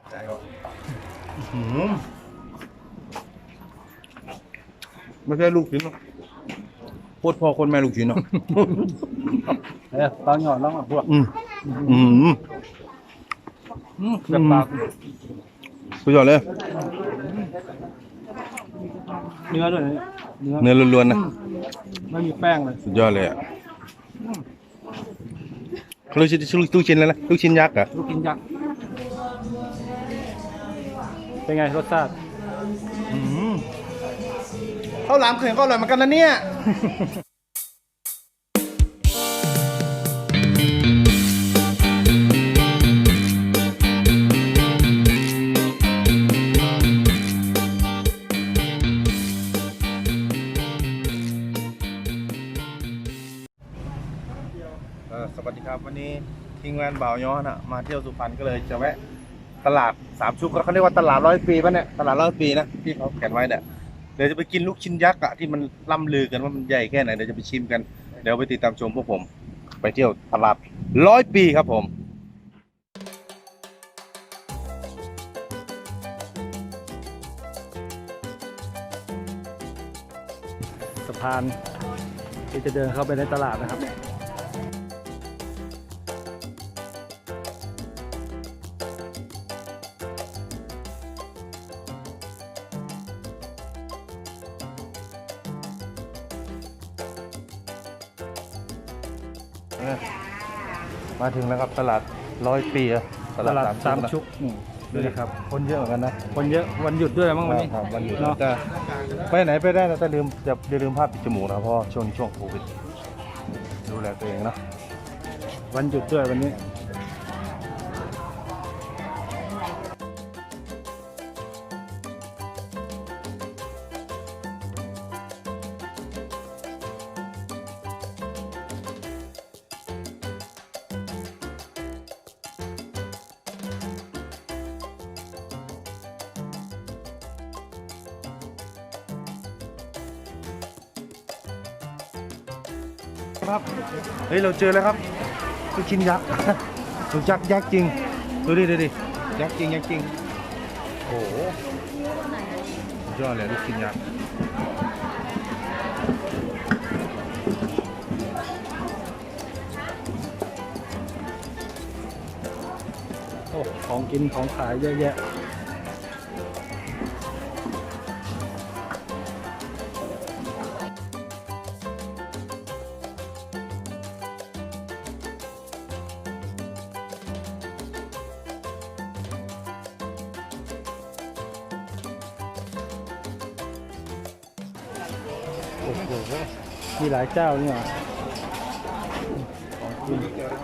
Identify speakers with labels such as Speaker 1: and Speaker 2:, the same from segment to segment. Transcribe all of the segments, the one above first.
Speaker 1: ไม่ใช่ลูกชิ้นหรอกโคตรพ่อคนแม่ลูกชิ้นเนาะ
Speaker 2: ตอนหยอดแล้วพวกแบบปาก
Speaker 1: สุดยอดเลย
Speaker 2: เนื้อด้วย
Speaker 1: เนื้อล้วนๆนะ
Speaker 2: ไม่มีแป้งเลย
Speaker 1: สุดยอดเลยอ่ะลูกชิ้นแล้วนะลูกชิ้นยักษ์อ่ะ
Speaker 2: ลูกกินยักษ์เป็นไงรสชาติ
Speaker 1: ข้าวหลามเขื่อนก็อร่อยเหมือนกันนะเนี่ยสวัสดีครับวันนี้ทีมงานบ่าวย้อนมาเที่ยวสุพรรณก็เลยจะแวะตลาดสามชุกเขาเรียกว่าตลาด100 ปีป่ะเนี่ยตลาด100 ปีนะที่เขาแขวนไว้เนี่ยเดี๋ยวจะไปกินลูกชิ้นยักษ์ที่มันล่ำลือกันว่ามันใหญ่แค่ไหนเดี๋ยวจะไปชิมกันเดี๋ยวไปติดตามชมพวกผมไปเที่ยวตลาด100 ปีครับผม
Speaker 2: สะพานที่จะเดินเข้าไปในตลาดนะครับ
Speaker 1: มาถึงแล้วครับตลาด100 ปี
Speaker 2: ตลาดสามชุกดูดิครับ
Speaker 1: คนเยอะเหมือนกันนะ
Speaker 2: คนเยอะวันหยุดด้วยมั้งวันนี้
Speaker 1: ครับวันหยุด
Speaker 2: เนาะ
Speaker 1: จะไปไหนไปได้นะแต่อย่าลืมผ้าปิดจมูกนะเพราะช่วงนี้ช่วงโควิดดูแลตัวเองนะ
Speaker 2: วันหยุดด้วยวันนี้
Speaker 1: ครับเฮ้ยเราเจอแล้วครับลูกชิ้นยักษ์ ลูกยักษ์จริงดูดิยักษ์จริงโอ้โหสุดยอดเลยลูกชิ้นยักษ์
Speaker 2: โอ้ของกินของขายเยอะแยะโอ้โหมีหลายเจ้านี่หว่าของกิน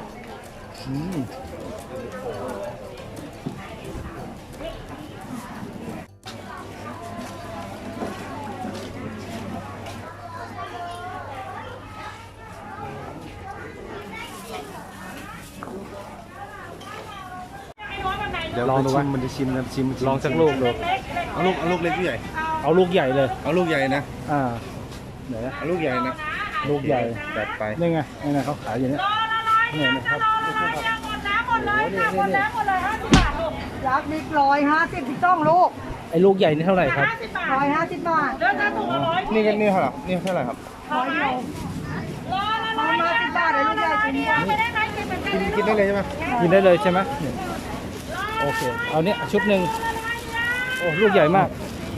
Speaker 1: เดี๋ยว
Speaker 2: ลองดู
Speaker 1: มันจะชิมนะชิม
Speaker 2: ลองสักลูกดู
Speaker 1: เอาลูกเล็กหรือใหญ่
Speaker 2: เอาลูกใหญ่เลย
Speaker 1: เอาลูกใหญ่นะ
Speaker 2: ไหน
Speaker 1: เอาลูกใหญ่นะ
Speaker 2: ลูกใหญ่
Speaker 1: จัดไป
Speaker 2: นี่ไงเขาขายอยู่เนี่ยนี่นะครับ
Speaker 3: หมดเลย50 บาทลูกยักษ์บิ๊ก150พี่ต้องลูก
Speaker 2: ไอ้ลูกใหญ่นี่เท่าไหร่ครับ
Speaker 3: 150 บาทเดินทางถูก100
Speaker 1: นี่กันนี่เท่าไหร่นี่เท่าไหร่ครับ
Speaker 3: 100เดียว150 บาทเลยลูกใหญ่จริง
Speaker 1: กินได้เลยใช่ไหม
Speaker 2: กินได้เลยใช่ไหมโอเคเอาเนี้ยชุดหนึ่งโอ้ลูกใหญ่มาก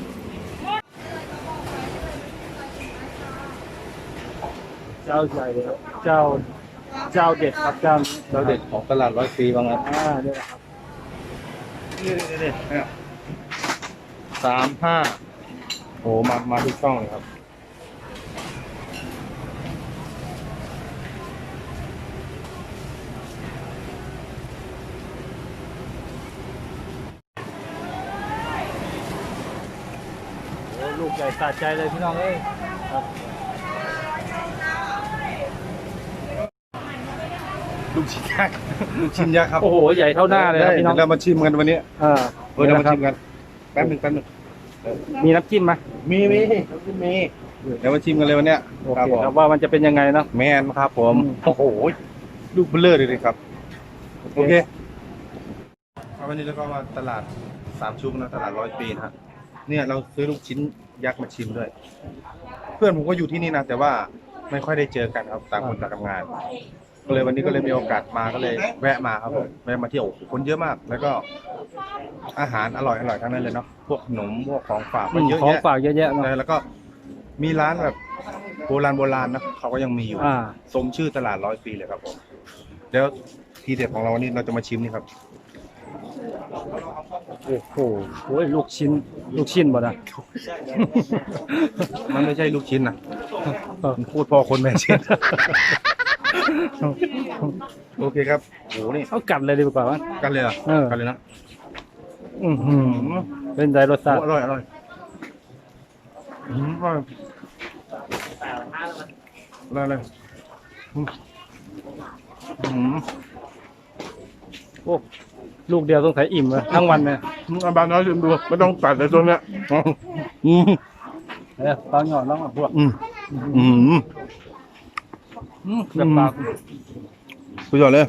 Speaker 2: เจ้าใหญ่ครับเจ้าเด็ดครับเจ้าเด็ด
Speaker 1: ของตลาด100 ปีบางอัน
Speaker 2: เนี่ยนะครับ
Speaker 1: นี่35โอ้มาทุกช่องเลยครับ
Speaker 2: โอ้ลูกใหญ่สะใจเลยพี่น้องเอ้ยครับ
Speaker 1: ลูกชิ้นยักษ์ครับ
Speaker 2: โอ้โหใหญ่เท่าหน้าเลยครับพี่น้อง
Speaker 1: เรามาชิมกันวันนี้ เรามาชิมกันแป๊บหนึ่ง
Speaker 2: มีน้ำจิ้มไหม
Speaker 1: มีเดี๋ยวมาชิมกันเลยวันเนี้ย
Speaker 2: โอเคครับว่ามันจะเป็นยังไงเนาะ
Speaker 1: แมนครับผมโอ้โหลูกเบลเลอร์เลยครับโอเควันนี้เราก็มาตลาดสามชุกนะตลาด100 ปีนะฮะเนี่ยเราซื้อลูกชิ้นยักษ์มาชิมด้วย เพื่อนผมก็อยู่ที่นี่นะแต่ว่าไม่ค่อยได้เจอกันครับต่างคนต่างทำงาน ก็เลยวันนี้ก็เลยมีโอกาสมาก็เลยแวะมาครับผมแวะมาเที่ยวโอ้โหคนเยอะมาก แล้วก็อาหารอร่อยทั้งนั้นเลยเนาะพวกขนมพวกของฝากมันเยอะ
Speaker 2: ของ
Speaker 1: แยะ
Speaker 2: ฝากเยอะแยะเนอะ
Speaker 1: แล้วก็มีร้านแบบโบราณนะเขาก็ยังมีอยู่ สมชื่อตลาด100 ปีเลยครับผมเดี๋ยวทีเด็ดของเราวันนี้เราจะมาชิมนี่ครับ
Speaker 2: โอ้โหโอ้ยลูกชิ้นบ่นะ
Speaker 1: มันไม่ใช่ลูกชิ้นนะมันพูดพ่อคนแม่ชิ้น โอเคครับโหนี่
Speaker 2: เอากัดเลยดีกว่าวะ
Speaker 1: กันเลยเหรอ่ะ
Speaker 2: เออ
Speaker 1: กันเลยนะ
Speaker 2: เป็นใจรสชาติ
Speaker 1: อร่อยอร่อยอร่อยเลย
Speaker 2: โอ้ลูกเดียวต้องใส่อิ่มเลยทั้งวันเลย
Speaker 1: อาบานน้อยชิมดูไม่ต้องตัดเลยตัวเนี้ย
Speaker 2: ตอนหยอดแล้วพวกแบบปาก
Speaker 1: สุดยอดเลย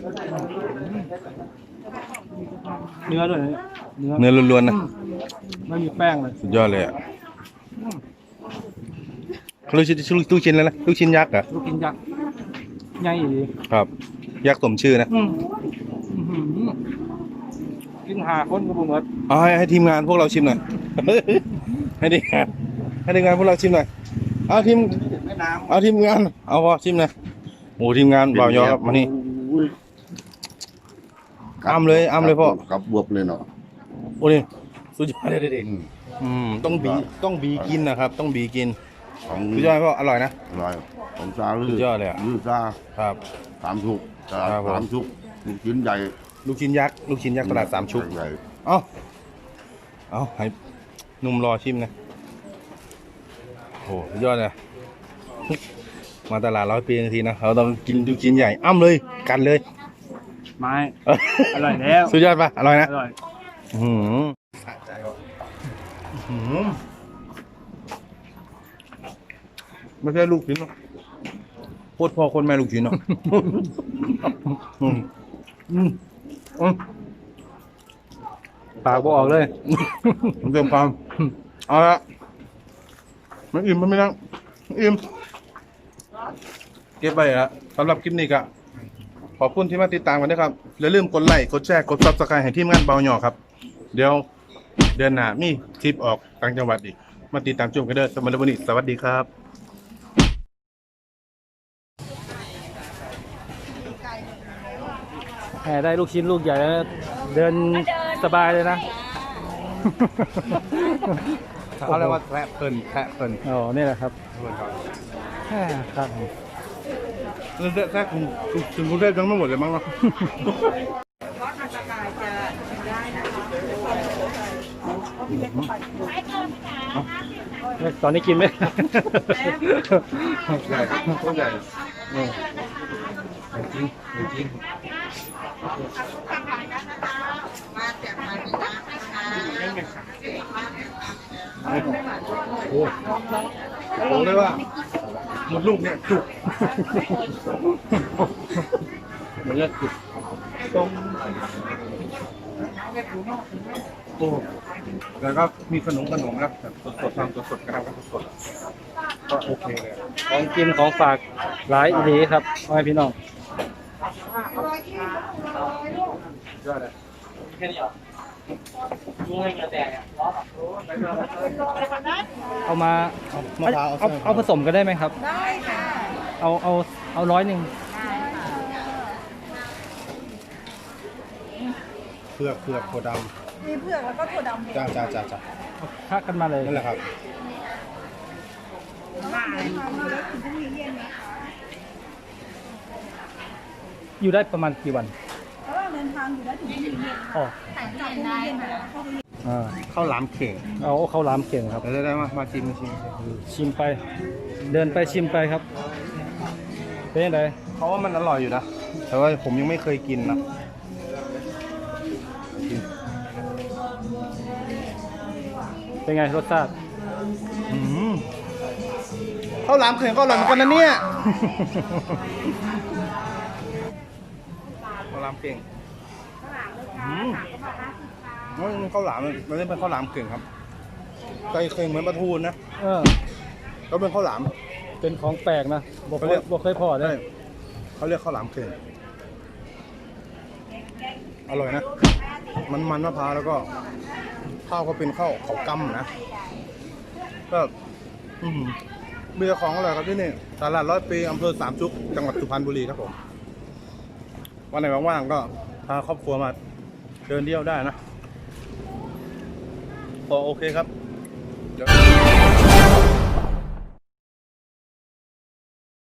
Speaker 2: เนื้อด้วย
Speaker 1: เนื้อล้วนๆนะ
Speaker 2: ไม่มีแป้งเลย
Speaker 1: สุดยอดเลยอ่ะเขาลูกชิ้นแล้วนะลูกชิ้นยักษ์เหรอ
Speaker 2: ลูกกินยักษ์ใหญ่ดี
Speaker 1: ครับ ยักษ์สมชื่อนะ
Speaker 2: กินหาคนก็บ่หมด
Speaker 1: เอาให้ทีมงานพวกเราชิมหน่อย ให้ทีมงานพวกเราชิมหน่อยเอาทีมงานเอาพอชิมหน่อยโอ้ทีมงานบ่าวยอครับมานี่อ้ำเลยพ่อ
Speaker 4: กับบวบเลยเนาะ
Speaker 1: โอ้นี่สุดยอดเลยเด็กต้องบีกินนะครับ ต้องบีกิน
Speaker 4: ของ
Speaker 1: สุดยอดพ่ออร่อยนะ
Speaker 4: อร่อยของซาลื
Speaker 1: สุดยอดเลยอะ
Speaker 4: ลือซา
Speaker 1: ครับ
Speaker 4: สามชุกตลาด
Speaker 1: ครับผม
Speaker 4: สามชุกลูกชิ้นใหญ่
Speaker 1: ลูกชิ้นยักษ์ตลาดสามชุก
Speaker 4: ใหญ่
Speaker 1: เอาให้หนุ่มรอชิมนะโอ้สุดยอดเลยมาตลาด100 ปีทันทีนะเราต้องกินลูกชิ้นใหญ่อ้ำเลยกันเลย
Speaker 2: ไม้อร่อยแล้ว
Speaker 1: สุดยอดปะอร่อยนะ
Speaker 2: อร่อย
Speaker 1: สะใจว่ะไม่ใช่ลูกชิ้นหรอกโคตรพ่อคนแม่ลูกชิ้นเนาะ
Speaker 2: ปากบ่ออกเลย
Speaker 1: ผมเติมความเอาละมันอิ่มมันไม่นั่งอิ่มเก็บไปละสำหรับคลิปนี้ก็ขอบคุณที่มาติดตามกันนะครับอย่าลืมกดไลค์กดแชร์กด Subscribe ให้ทีมงานเบาหยอครับเดี๋ยวเดือนหน้ามีทริปออกต่างจังหวัดอีกมาติดตามชมกันเด้อสำหรับวันนี้สวัสดีครับ
Speaker 2: แหมได้ลูกชิ้นลูกใหญ่แล้วเดินสบายเลยนะ
Speaker 1: เขาเรียกว่าแทะเพลิน
Speaker 2: อ๋อนี่แหละครับแหมครับ
Speaker 1: แทะคุณกรุงเทพยังไม่หมดเลยมั้งเนาะ
Speaker 2: ตอนนี้กินไหม
Speaker 1: ใหญ่ต้นใหญ่จริงโอ้โหเลยว่าหมดลูกเนี่ยจุกเหมือนจะจุกตรงโอ้แล้วก็มีขนมนะแบบสดๆทำสดๆกระทำสดๆก็โอเคเลย
Speaker 2: ของกินของฝากหลายอีหลีครับพ่อแม่พี่น้อง
Speaker 1: ยอดเลย
Speaker 2: เอามา
Speaker 1: มะพร้าว
Speaker 2: เอาผสมกันได้ไหมครับ
Speaker 3: ได้ค่ะ
Speaker 2: เอา100
Speaker 1: เผือกถั่วด
Speaker 3: มีเผือกแล้วก็ถั่วดำ
Speaker 1: ำจ้า
Speaker 2: ค่ากันมาเลย
Speaker 1: นั่นแหละครับ
Speaker 2: อยู่ได้ประมาณกี่วัน
Speaker 3: ระหว่างเดินทางอยู่ได้ถึงที่เย็น
Speaker 2: อ๋อ
Speaker 3: จากพรุ่งนี้เย็นไปแล้วเข้าไป
Speaker 1: ข้าวหลามเข่ง
Speaker 2: เอาข้าวหลามเก่งครับ
Speaker 1: ได้มาชิม
Speaker 2: ชิมไป เดินไปชิมไปครับ เป็นยังไง
Speaker 1: เพราะว่ามันอร่อยอยู่นะแต่ว่าผมยังไม่เคยกินนะ
Speaker 2: เป็นไงรสชาติ
Speaker 1: ข้าวหลามเข่งก็อร่อยเหมือนกันนะเนี่ยข้าวหลามเข่งมันข้าวหลามมันไม่เป็นข้าวหลามกึ่งครับไก่เค็งเหมือนปลาทูนะ
Speaker 2: เออ
Speaker 1: ก็เป็นข้าวหลาม
Speaker 2: เป็นของแปลกนะบอก
Speaker 1: เขาเรียก
Speaker 2: บอกเคยพอได้
Speaker 1: ใช่เขาเรียกข้าวหลามกึ่งอร่อยนะมันมะพร้าวแล้วก็ข้าวก็เป็นข้าวเขากำนะก็มีแต่ของอร่อยครับที่นี่ตลาด100 ปีอำเภอสามชุกจังหวัดสุพรรณบุรีครับผมวันไหนว่างๆก็พาครอบครัวมาเดินเที่ยวได้นะโอเคครับเดี๋ยว